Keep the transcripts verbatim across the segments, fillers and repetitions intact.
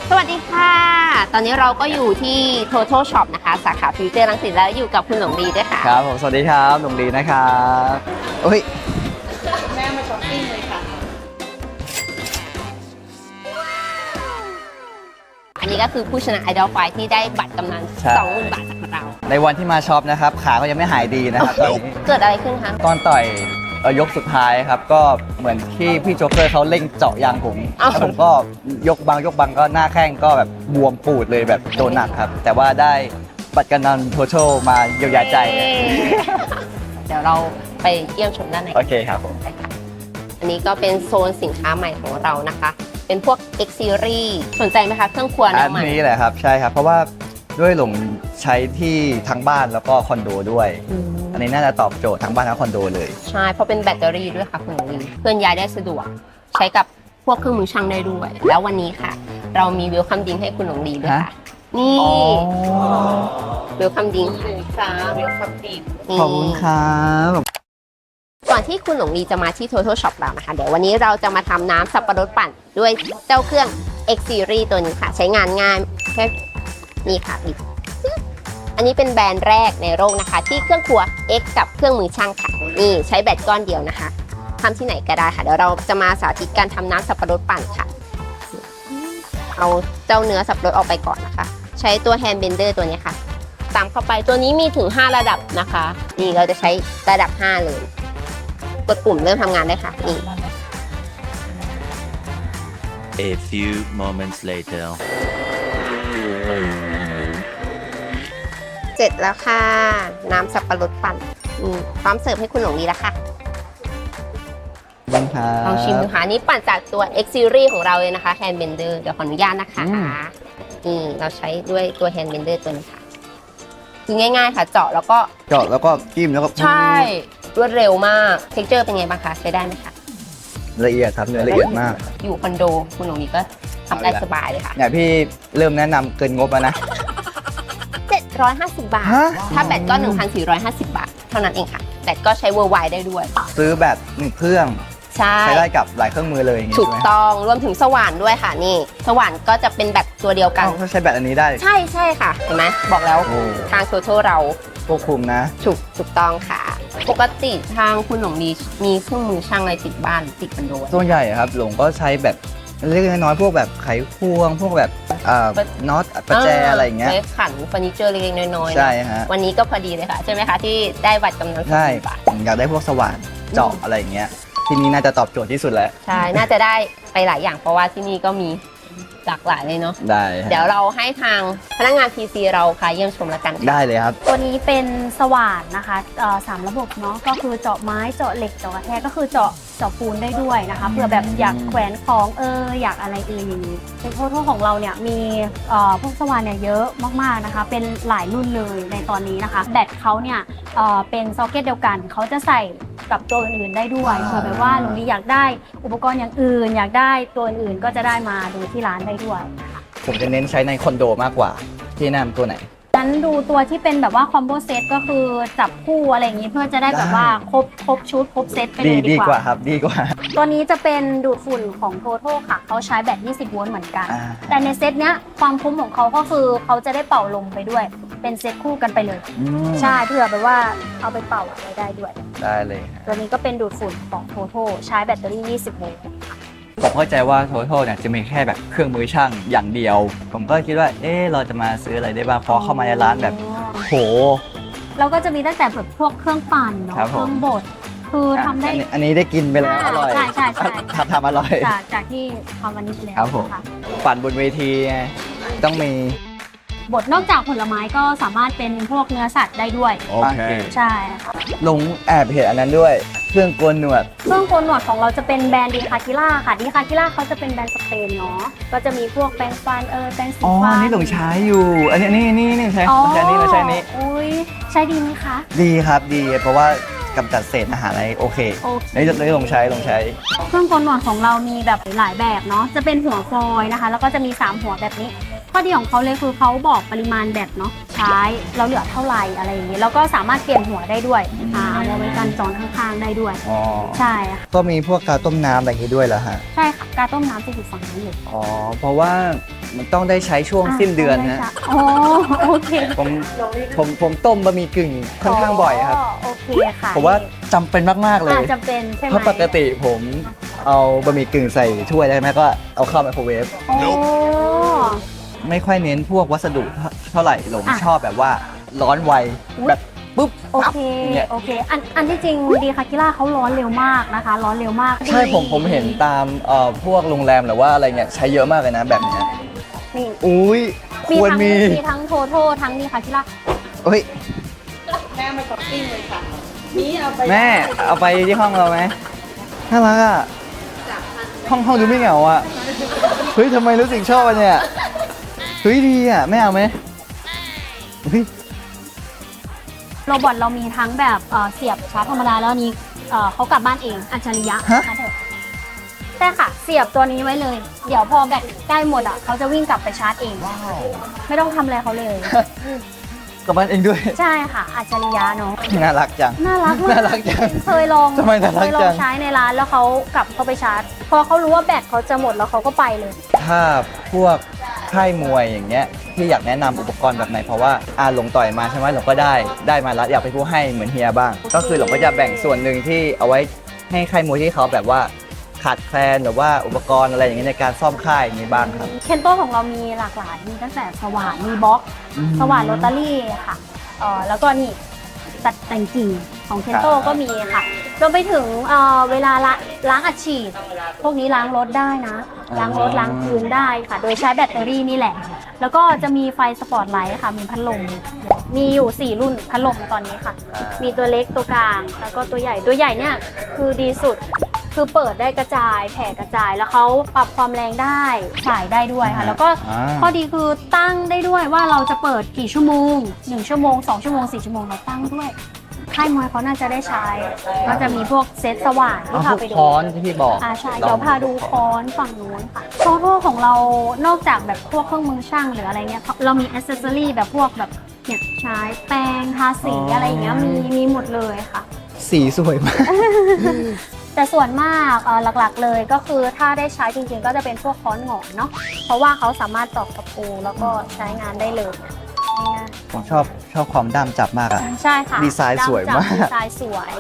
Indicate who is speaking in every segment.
Speaker 1: สวัสดีค่ะตอนนี้เราก็อยู่ที่ Total Shop นะคะสาขาฟิวเจอร์รังสิตแล้วอยู่กับคุณหลงดีด้วยค่ะ
Speaker 2: ครับผมสวัสดีครับหลงดีนะครับโอ้ย
Speaker 1: แม่มาช้อปปิ้งเลยค่ะอันนี้ก็คือผู้ชนะไอดอลไฟที่ได้บัตรกำนัน สองหมื่น บาทจากเรา
Speaker 2: ในวันที่มาช็อปนะครับขาก็ยังไม่หายดีนะครับตอนนี้
Speaker 1: เกิดอะไรขึ้นคะ
Speaker 2: ตอนต่อยยกสุดท้ายครับก็เหมือนที่พี่โจ๊กเกอร์เขาเร่งเจาะยางผมแล้วผมก็ยกบังยกบังก็หน้าแข้งก็แบบบวมปูดเลยแบบโดนหนักครับแต่ว่าได้บัตรกำนันโทโชมาเยียวยาใจ
Speaker 1: เดี๋ยวเราไปเยี่ยมชมด้านใน
Speaker 2: โอเคครับผม
Speaker 1: อันนี้ก็เป็นโซนสินค้าใหม่ของเรานะคะเป็นพวก X Series สนใจไหมคะเครื่องครัวแนวใหม่
Speaker 2: อันนี้แหละครับใช่ครับเพราะว่าด้วยหลงใช้ที่ทั้งบ้านแล้วก็คอนโดด้วยอันนี้น่าจะตอบโจทย์ทั้งบ้านทั้งคอนโดเลย
Speaker 1: ใช่เพราะเป็นแบตเตอรี่ด้วยค่ะคุณหลงดีเคลื่อนย้ายได้สะดวกใช้กับพวกเครื่องมือช่างได้ด้วยแล้ววันนี้ค่ะเรามีเวลคัมดิ้งให้คุณหลงดีด้วยค่ะนี่เวลคัมดิ้งค่ะเวลคัมดิ้ง
Speaker 2: ขอบคุณครับ
Speaker 1: ก่อนที่คุณหลงดีจะมาที่ Total Shop เรานะคะเดี๋ยววันนี้เราจะมาทำน้ำสับปะรดปั่นด้วยเจ้าเครื่อง X Series ตัวนี้ค่ะใช้งานง่ายแค่นี่ค่ะอันนี้เป็นแบรนด์แรกในโลกนะคะที่เครื่องครัว X กับเครื่องมือช่างค่ะนี่ใช้แบตก้อนเดียวนะคะทำที่ไหนก็ได้ค่ะเดี๋ยวเราจะมาสาธิตการทำน้ำสับปะรดปั่นค่ะเอาเจ้าเนื้อสับปะรดออกไปก่อนนะคะใช้ตัวแฮนด์เบนเดอร์ตัวนี้ค่ะตามเข้าไปตัวนี้มีถึงห้าระดับนะคะนี่เราจะใช้ระดับห้าเลยกดปุ่มเริ่มทำงานได้ค่ะนี่
Speaker 3: A few moments later
Speaker 1: เสร็จแล้วค่ะน้ำสับปะรดปั่นพร้อมเสิร์ฟให้คุณหลงดีแล้วค่ะลองชิมดูค่ะนี่ปั่นจากตัว X Series ของเราเลยนะคะ Hand Blender เดี๋ยวขออนุญาตนะคะนี่เราใช้ด้วยตัว Hand Blender ตัวนี้ค่ะคือง่ายๆค่ะเจาะแล้วก็
Speaker 2: เจาะแล้วก็จิ้มแล้วก็
Speaker 1: ใช่รวดเร็วมาก Texture เป็นไงบ้างคะใช้ได้ไหมคะ
Speaker 2: ละเอียดครับเนื้อละเอียดมาก
Speaker 1: อยู่คอนโดคุณหลงดีก็ทำได้สบายเลยค่ะ
Speaker 2: เนี่ยพี่เริ่มแนะนำเกินงบแล้วนะ
Speaker 1: เจ็ดร้อยห้าสิบบาทถ้าแบตก็ หนึ่งพันสี่ร้อยห้าสิบบาทเท่านั้นเองค่ะแบตก็ใช้ worldwide ได้ด้วย
Speaker 2: ซื้อแบตหนึ่งเครื่องใช้ได้กับหลายเครื่องมือเลย
Speaker 1: ถูกต้องรวมถึงสว่านด้วยค่ะนี่สว่านก็จะเป็นแบตตัวเดียวกัน
Speaker 2: เขาใช้แบตอันนี้ได้
Speaker 1: ใช่ใช่ค่ะเห็นไหมบอกแล้วทางโซโชเรา
Speaker 2: ควบคุมนะ
Speaker 1: ถูกถูกต้องค่ะปกติทางคุณหลงดีมีเครื่องมือช่างอะไรติดบ้านติดคอนโด
Speaker 2: ส่วนใหญ่ครับหลงก็ใช้แบบเล็กน้อยพวกแบบไขควงพวกแบบน็อตประแจอะไรอย่างเงี้ย
Speaker 1: ขันเฟอร์นิเจอร์เล็กๆน้อยๆ
Speaker 2: ใช่ฮะ
Speaker 1: วันนี้ก็พอดีเลยค่ะใช่ไหมคะที่ได้บัตรกำนัน
Speaker 2: ใช่อยากได้พวกสว่านเจาะอะไรอย่างเงี้ยที่นี่น่าจะตอบโจทย์ที่สุดแล้ว
Speaker 1: ใช่น่าจะได้ไปหลายอย่างเพราะว่าที่นี่ก็มีหลากหลายเลยเนาะ
Speaker 2: ได้
Speaker 1: เดี๋ยวเราให้ทางพนักงาน พี ซี เราค่ะเยี่ยมชมแล้วกัน
Speaker 2: ได้เลยครับ
Speaker 4: ตัวนี้เป็นสว่านนะคะสามระบบเนาะก็คือเจาะไม้เจาะเหล็กเจาะกระแทกก็คือเจาะเจาะปูนได้ด้วยนะคะเผื่อแบบอยากแขวนของเอออยากอะไรเอออย่างนี้เป็นโทษของเราเนี่ยมีพวกสว่านเนี่ยเยอะมากๆนะคะเป็นหลายรุ่นเลยในตอนนี้นะคะแบตเขาเนี่ยเป็นซ็อกเก็ตเดียวกันเขาจะใส่กับตัวอื่นๆได้ด้วยเผื่อแบบว่าหลงดีอยากได้อุปกรณ์อย่างอื่นอยากได้ตัวอื่นก็จะได้มาดูที่ร้านได้ด้วย
Speaker 2: ผมจะเน้นใช้ในคอนโดมากกว่าที่แนะนำตัวไหน
Speaker 4: นั้นดูตัวที่เป็นแบบว่าคอมโบเซตก็คือจับคู่อะไรอย่างนี้เพื่อจะได้แบบว่าครบครบชุดครบเซตไปเลยดีกว่า
Speaker 2: ดีกว่าครับดีกว่า
Speaker 4: ตัวนี้จะเป็นดูดฝุ่นของ Total ค่ะเขาใช้แบตยี่สิบโวลต์เหมือนกันแต่ในเซตเนี้ยความคุ้มของเขาก็คือเขาจะได้เป่าลมไปด้วยเป็นเซตคู่กันไปเลยใช่เพื่อแบบว่าเอาไปเป่าอะไรได้ด้วย
Speaker 2: ได้เลย
Speaker 4: ตัวนี้ก็เป็นดูดฝุ่นของ Total ใช้แบตเตอรี่ยี่สิบโวลต์
Speaker 2: ผมเข้าใจว่า Total เนี่ยจะมีแค่แบบเครื่องมือช่างอย่างเดียวผมก็คิดว่าเออเราจะมาซื้ออะไรได้บ้างพอเข้ามาในร้านแบบโห
Speaker 4: เราก็จะมีตั้งแต่แบบพวกเครื่องปั่นเนาะเครื่องบดคือทำได้
Speaker 2: อันนี้ได้กินไปแล้วอร่อย
Speaker 4: ใช่ใช่ใช่
Speaker 2: ทำทำอร่อย
Speaker 4: จากจากที่ทำวันนี้แล้ว
Speaker 2: ครับผมปั่นบนเวทีต้องมี
Speaker 4: บดนอกจากผลไม้ก็สามารถเป็นพวกเนื้อสัตว์ได้ด้วย
Speaker 2: โอเค
Speaker 4: ใช่
Speaker 2: ลงแอบเห็นอันนั้นด้วยเครื่องโกนหนวด
Speaker 4: เครื่องโกนหนวดของเราจะเป็นแบรนด์ดีคาคิล่าค่ะดีคาคิล่าเขาจะเป็นแบรนด์สเปนเนาะก็จะมีพวกแปรงฟันเออแปรงสีฟัน
Speaker 2: อ๋อนี่หลงใช้อยู่อันนี้นี่นี่นี่ใช้ใช้นี่มาใช้นี้
Speaker 4: อุ้ยใช้ดีไหมคะ
Speaker 2: ดีครับดีเพราะว่ากำจัดเศษอาหารอะไรโอเคนี่เลยลงใช้ลงใช้
Speaker 4: เครื่องโกนหนวดของเรามีแบบหลายแบบเนาะจะเป็นหัวฟอยนะคะแล้วก็จะมีสามหัวแบบนี้ข้อดีของเขาเลยคือเขาบอกปริมาณแบตเนาะใช้เราเหลือเท่าไหร่อะไรอย่างนี้แล้วก็สามารถเปลี่ยนหัวได้ด้วยอ่าเอาไว้กันจอนข้างๆได้ด้วย
Speaker 2: อ๋อ
Speaker 4: ใช่
Speaker 2: ก็มีพวกกาต้มน้ำอะไรอย่างนี้ด้วยเหรอฮะ
Speaker 4: ใช่ค่ะกการต้มน้ำจะอยู่ฝั่งนั้นเลย
Speaker 2: อ๋อเพราะว่ามันต้องได้ใช้ช่วงสิ้นเดือนนะ
Speaker 4: อ๋อโอเค
Speaker 2: ผมผมผมต้มบะหมี่กึ่งค่อนข้างบ่อยครับ
Speaker 4: โอเคค่ะ
Speaker 2: ผมว่าจำเป็นมากๆเลย
Speaker 4: อาจจะเป็นใช่ไหม
Speaker 2: เพราะปกติผมเอาบะหมี่กึ่งใส่ถ้วยได้ไหมก็เอาเข้าไมโครเวฟ
Speaker 4: โอ้
Speaker 2: ไม่ค่อยเน้นพวกวัสดุเท่าไหร่หลง
Speaker 4: อ่ะ
Speaker 2: ชอบแบบว่าร้อนไว
Speaker 4: อุ๊ย
Speaker 2: แบบปุ๊บ
Speaker 4: โอ
Speaker 2: ปั๊บ
Speaker 4: เค
Speaker 2: เนี่ย
Speaker 4: โอเค อันอันที่จริงดีคากิล่าเขาร้อนเร็วมากนะคะ ร้อนเร็วมาก
Speaker 2: ใช่ผมผมเห็นตามเอ่อพวกโรงแรมหรือว่าอะไรเงี้ยใช้เยอะมากเลยนะแบบเนี้ย
Speaker 4: นี่
Speaker 2: อุ้ยค
Speaker 4: มี
Speaker 2: วร
Speaker 4: ทั้ง
Speaker 2: มี
Speaker 4: มีทั้งโทโททั้งดีคากิล่า
Speaker 2: เฮ้ย
Speaker 5: แม่มาช้อปปิ้งเลยค่ะนี่เอาไป
Speaker 2: แม่เอาไปที่ห้องเราไหมน่ารักอ่ะห้องห้องดูไม่เหงาอ่ะเฮ้ยทำไมรู้สึกชอบอ่ะเนี่ยเฮ้ยดีอ่ะแม่เอาไหมเฮ้ย
Speaker 4: โรบอทเรามีทั้งแบบเอ่อเสียบชาร์จธรรมดาแล้วอันนี้เอ่อเขากลับบ้านเองอัจฉริยะนะคะเถอะใช่ค่ะ เสียบตัวนี้ไว้เลย เดี๋ยวพอแบตใกล้หมดอ่ะเขาจะวิ่งกลับไปชาร์จเอง ไม่ต้องทำอะไรเขาเลย
Speaker 2: กลับบ้านเองด้วย
Speaker 4: ใช่ค่ะ อัจฉริยะเนาะ
Speaker 2: น่ารักจัง
Speaker 4: น่ารักมาก
Speaker 2: น่ารักจัง
Speaker 4: เคยลอง
Speaker 2: ทำไมน่ารัก
Speaker 4: เคยลอ
Speaker 2: จั
Speaker 4: ง
Speaker 2: ง
Speaker 4: ใช้ในร้านแล้วเขากลับเข้าไปชาร์จ พอเขารู้ว่าแบตเขาจะหมดแล้วเขาก็ไปเลย
Speaker 2: ถ้าพวกค่ายมวยอย่างเงี้ยที่อยากแนะนำอุปกรณ์แบบไหนเพราะว่าอาหลงต่อยมาใช่ไหมหลงก็ได้ได้มาแล้วอยากเป็นผู้ให้เหมือนเฮียบ้าง ก็คือหลงก็จะแบ่งส่วนหนึ่งที่เอาไว้ให้ค่ายมวยที่เขาแบบว่าขาดแคลนหรือว่าอุปกรณ์อะไรอย่างเงี้ยในการซ่อมค่ายอย่างนี้บ้างครับ
Speaker 4: เคนโตของเรามีหลากหลาย มีตั้งแต่สว่าน มีบล็อก
Speaker 2: อืม
Speaker 4: สว่านโรตารี่ค่ะเอ่อแล้วก็นี่ตัดแต่งกิ่งของเคนโต
Speaker 2: ครับ
Speaker 4: ก็มีค่ะรวมไปถึงเอ่อเวลาละล้างอัดฉีด พวกนี้ล้างรถได้นะ ล้างรถล้างพื้นได้ค่ะ โดยใช้แบตเตอรี่นี่แหละ แล้วก็จะมีไฟสปอตไลท์ค่ะ มีพัดลม มีอยู่สี่รุ่นพัดลมตอนนี้ค่ะ มีตัวเล็กตัวกลาง แล้วก็ตัวใหญ่ ตัวใหญ่เนี่ยคือดีสุด คือเปิดได้กระจาย แผ่กระจาย แล้วเขาปรับความแรงได้สายได้ด้วยค่ะ แล้วก็
Speaker 2: อ่า
Speaker 4: ข้อดีคือตั้งได้ด้วยว่าเราจะเปิดกี่ชั่วโมงหนึ่งชั่วโมงสองชั่วโมงสี่ชั่วโมงเราตั้งด้วย ค่ายมวยเขาน่าจะได้ใช้ ก็จะมีพวกเซตสว่านที่
Speaker 2: เอาพ
Speaker 4: พาว
Speaker 2: ก
Speaker 4: ไปดู
Speaker 2: ค้อนที่พี่บอก
Speaker 4: อ่าใช่ เดี๋ยวพาดูค้อนฝั่งนู้นค่ะโซโล่ของเรานอกจากแบบพวกเครื่องมือช่างหรืออะไรเงี้ย เรามีอ c เซสซอรี่แบบพวกแบบเนี่ยใช้แปรงทาสี
Speaker 2: อ๋ออ
Speaker 4: อะไรอย่างเงี้ยมีมีหมดเลยค่ะ
Speaker 2: สีสวยมาก
Speaker 4: แต่ส่วนมากเอ่อหลักๆเลยก็คือถ้าได้ใช้จริงๆ ก็จะเป็นพวกค้อนหงอนเนาะเพราะว่าเขาสามารถตอกตะปูแล้วก็ใช้งานได้เลยง่าย
Speaker 2: ผมชอบชอบความด้ามจับมากอะ
Speaker 4: ๆใช่ค่ะ
Speaker 2: ดีไซน์สวยมาก
Speaker 4: ดีไซน์สวย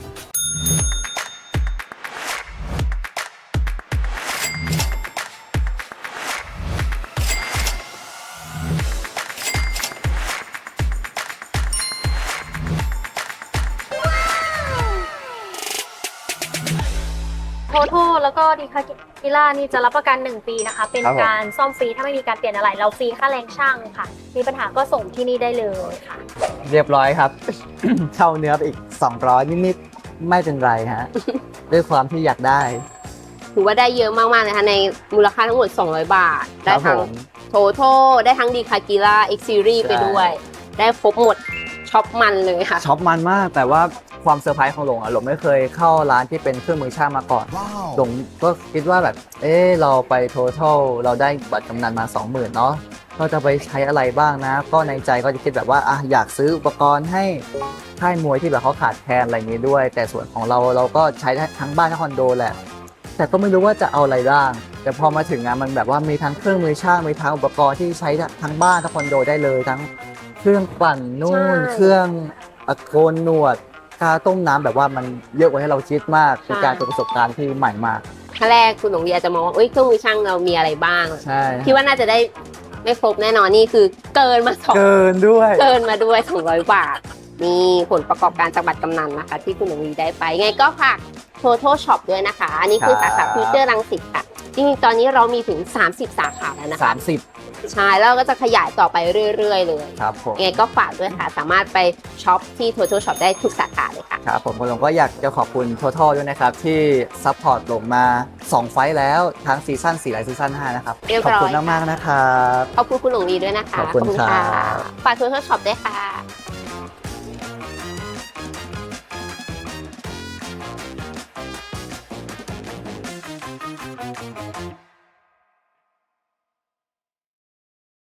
Speaker 4: โทโทแล้วก็ดีคากิล่านี่จะรับประกันหนึ่งปีนะคะ เป็น
Speaker 2: ครับผม
Speaker 4: การซ่อมฟรีถ้าไม่มีการเปลี่ยนอะไร เราฟรีค่าแรงช่างค่ะ มีปัญหาก็ส่งที่นี่ได้เลยค่ะ
Speaker 2: เรียบร้อยครับ เช่าเนื้อไปอีกสองร้อยนิดๆไม่เป็นไรฮะ ด้วยความที่อยากได้
Speaker 1: ถือว่าได้เยอะมากๆเลยค่ะในมูลค่าทั้งหมด สองร้อย บาท
Speaker 2: ค
Speaker 1: ได้
Speaker 2: รับ
Speaker 1: ทั้
Speaker 2: ผ
Speaker 1: ง
Speaker 2: ม
Speaker 1: โทโทได้ทั้งดีคากิล่าเอ็กซ์ซีรีส์
Speaker 2: ใช่
Speaker 1: ไปด้วย ได้ครบหมดช็อปมันเลยค่ะ
Speaker 2: ช็อปมันมากแต่ว่าความเซอร์ไพรส์ของหลงอะหลงไม่เคยเข้าร้านที่เป็นเครื่องมือช่างมาก่อนหลงก็คิดว่าแบบ เออเราไป total เราได้บัตรกำนันมา สองหมื่น เนาะก็จะไปใช้อะไรบ้างนะ ก็ในใจก็จะคิดแบบว่าอ่ะอยากซื้ออุปกรณ์ให้ค่ายมวยที่แบบเขาขาดแคลนอะไรอย่างนี้ด้วย แต่ส่วนของเราเราก็ใช้ทั้งบ้านทั้งคอนโดแหละ แต่ก็ไม่รู้ว่าจะเอาอะไรบ้าง แต่พอมาถึงงานมันแบบว่ามีทั้งเครื่องมือช่างมีทั้งอุปกรณ์ที่ใช้ทั้งบ้านทั้งคอนโดได้เลยทั้งเครื่องปั่นนู่น
Speaker 1: ใช่
Speaker 2: เครื่องอะโกนหนวดกาต้มน้ำแบบว่ามันเยอะกว่าให้เราคิดมากเป็นการเป็นประสบการณ์ที่ใหม่มาก
Speaker 1: ครั้งแรกคุณหลงเรียนจะมองว่าเอ้ยเครื่องมือช่างเรามีอะไรบ้าง
Speaker 2: ใช่
Speaker 1: คิดว่าน่าจะได้ไม่ครบแน่นอนนี่คือเกินมาสอง
Speaker 2: เกินด้วย
Speaker 1: เกินมาด้วย สองร้อย บาท นี่ผลประกอบการจากบัตรกำนันนะคะ ที่คุณหลงวีได้ไปไงก็ฝาก Total Shop ด้วยนะคะ อันนี้คือ
Speaker 2: ครั
Speaker 1: สา
Speaker 2: บ
Speaker 1: ขาฟิวเจอร์รังสิตค่ะ จริงๆ ตอนนี้เรามีถึง สามสิบ สาขาแล้วนะคะ
Speaker 2: สามสิบ
Speaker 1: ใช่แล้วเราก็จะขยายต่อไปเรื่อย ๆ เลย
Speaker 2: ครับผม
Speaker 1: ยังไงก็ฝากด้วยค่ะ สามารถไปช็อปที่ Total Shop ได้ทุกสาขาเลยค่ะ
Speaker 2: ครับผมผมก็อยากจะขอบคุณ Total ด้วยนะครับ ที่ซัพพอร์ตลงมาสองไฟล์แล้วทั้งซีซั่นสี่และซีซั่นห้านะครับ
Speaker 1: เรียบ
Speaker 2: ขอบ
Speaker 1: ร้อย
Speaker 2: คุณมากๆนะครับ
Speaker 1: ขอบคุณคุณหลงวีด้วยนะคะ
Speaker 2: ขอบคุณครับ
Speaker 1: ฝาก Total Shop ด้วยค่ะ